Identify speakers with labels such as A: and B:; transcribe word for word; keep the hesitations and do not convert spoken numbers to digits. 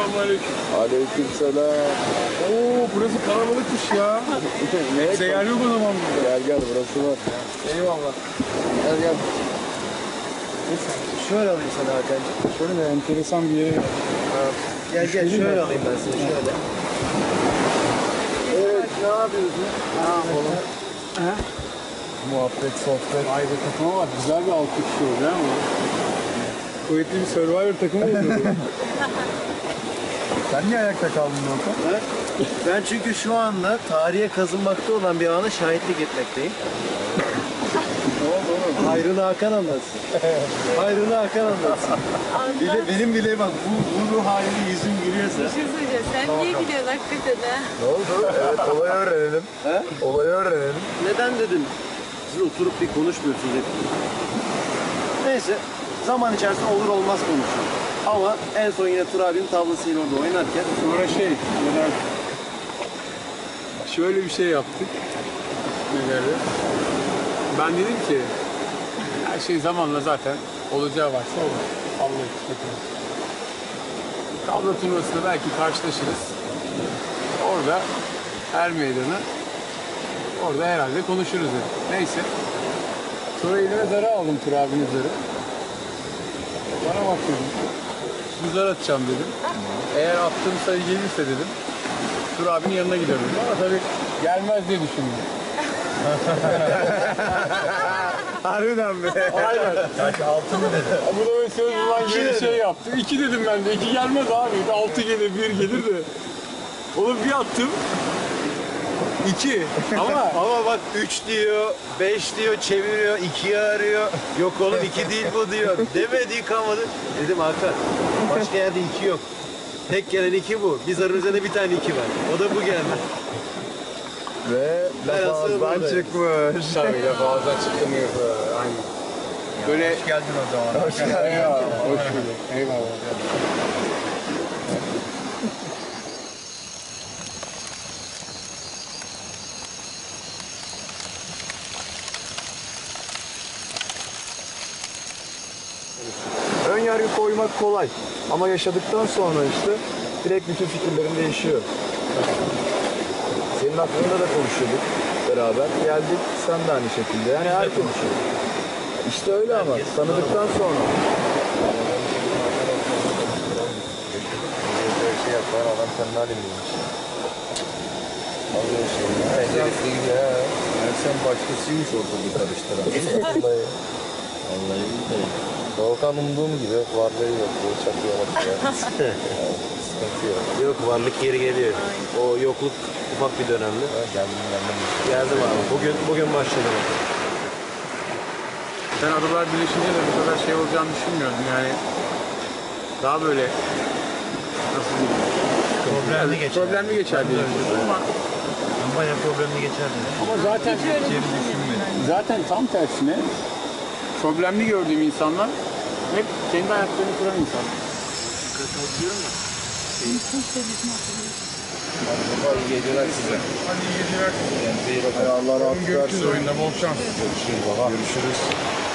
A: Selamünaleyküm.
B: Aleykümselam.
A: Oo, burası kalabalıkmış ya.
B: Ne?
A: Bize yer yok o zaman burada.
B: Gel gel, burası var.
A: Eyvallah.
B: Gel gel.
C: Şöyle alayım sana Hakan'cığım.
A: Şöyle de enteresan bir yere.
C: Gel gel şöyle alayım ben seni şöyle.
B: Evet, ne yapıyorsun?
A: Ne yapalım? He?
B: Muhabbet, sohbet.
A: Vay be, takıma bak. Güzel bir altı kişi oldu ama. Kuvvetli bir Survivor takımı oldu.
B: Sen niye ayakta kaldın Volkan?
C: Ha? Ben çünkü şu anda tarihe kazınmakta olan bir ana şahitlik etmekteyim.
B: Ne oldu oğlum?
C: Hayrını Hakan anlatsın. Hayrını Hakan anlatsın. Bile, benim bile bak bu, bu ruh halini yüzüm gülüyorsa.
D: Bir şey söyleyeceğim. Sen niye gidiyorsun hakikaten ha?
B: Ne oldu? Evet, olayı öğrenelim.
C: He?
B: Olayı öğrenelim.
C: Neden dedim? Siz oturup bir konuşmuyorsunuz hep. Neyse. Zaman içerisinde olur olmaz konuşuyoruz. Ama en son yine Tur abinin tablasıyla orada oynarken
A: Sonra şey, neden? Şöyle bir şey yaptık. Neleri? Ben dedim ki, her şey zamanla zaten olacağı varsa olur. Allah için. Tabla turnuvasında belki karşılaşırız. Orada er meydanı, orada herhalde konuşuruz dedim. Neyse. Sonra elime zarı aldım, Tur abinin zarı. Bana bak dedim. Bir zar atacağım dedim. Eğer attığım sayı gelirse dedim, Tur abinin yanına giderim dedim. Ama tabii gelmez diye düşündüm.
B: Harbiden be.
A: Aynen.
B: Kaç, altı mı dedi?
A: Bu da böyle söz ulan gibi şey yaptı. İki dedim ben de. İki gelmez abi. Altı gelir, bir gelir de. Oğlum bir attım. İki. Ama
C: ama bak üç diyor, beş diyor, çeviriyor, ikiyi arıyor. Yok oğlum iki değil bu diyor. Demedi, kalmadı. Dedim Hakan, başka yerde iki yok. Tek gelen iki bu. Biz aramızda bir tane iki var. O da bu geldi.
B: Ve
C: Ben
B: laf
C: aslında
B: ağızdan
C: buradayım.
B: çıkmış.
A: tabii de fazla çıktım yok. Aynen. Böyle...
B: Hoş geldin o zaman. Hoş geldin.
A: Eyvallah. Hoş bulduk. Eyvallah.
B: Ön yargı koymak kolay. Ama yaşadıktan sonra işte direkt bütün fikirlerin değişiyor. Senin hakkında da konuşuyorduk beraber. Geldik, sen de aynı şekilde. Yani her konuşuyor. İşte öyle ama tanıdıktan sonra. Böyle şey yapar, adam senin halindemiş. Alıyor şeyini. Penceresi gibi ya. Yani sen başkasıymış ortalığı karıştıran. Vallahi. Vallahi billahi. Volkan umduğum gibi varlığı yok. Böyle çakıyor bakıyor. Sıkıntı yok.
C: Yok varlık geri geliyor. O yokluk ufak bir dönemdi.
B: Geldim geldim.
C: Geldim abi. Bugün bugün başladım.
A: Ben adalar birleşince de bu kadar şey olacağını düşünmüyordum yani. Daha böyle nasıl diyeyim?
C: Problemli geçer.
A: Problemli geçer diye düşünüyorum ama
C: Bayağı problemli geçer.
A: ama zaten zaten tam tersine problemli gördüğüm insanlar hep kendi hayatlarını kuran insanlar.
B: İyi geceler size.
A: Hadi iyi geceler.
B: Kendinize iyi bakın. Allah razı olsun.
A: Görüşürüz oyunda. Bol şans.
B: Görüşürüz baba. Görüşürüz.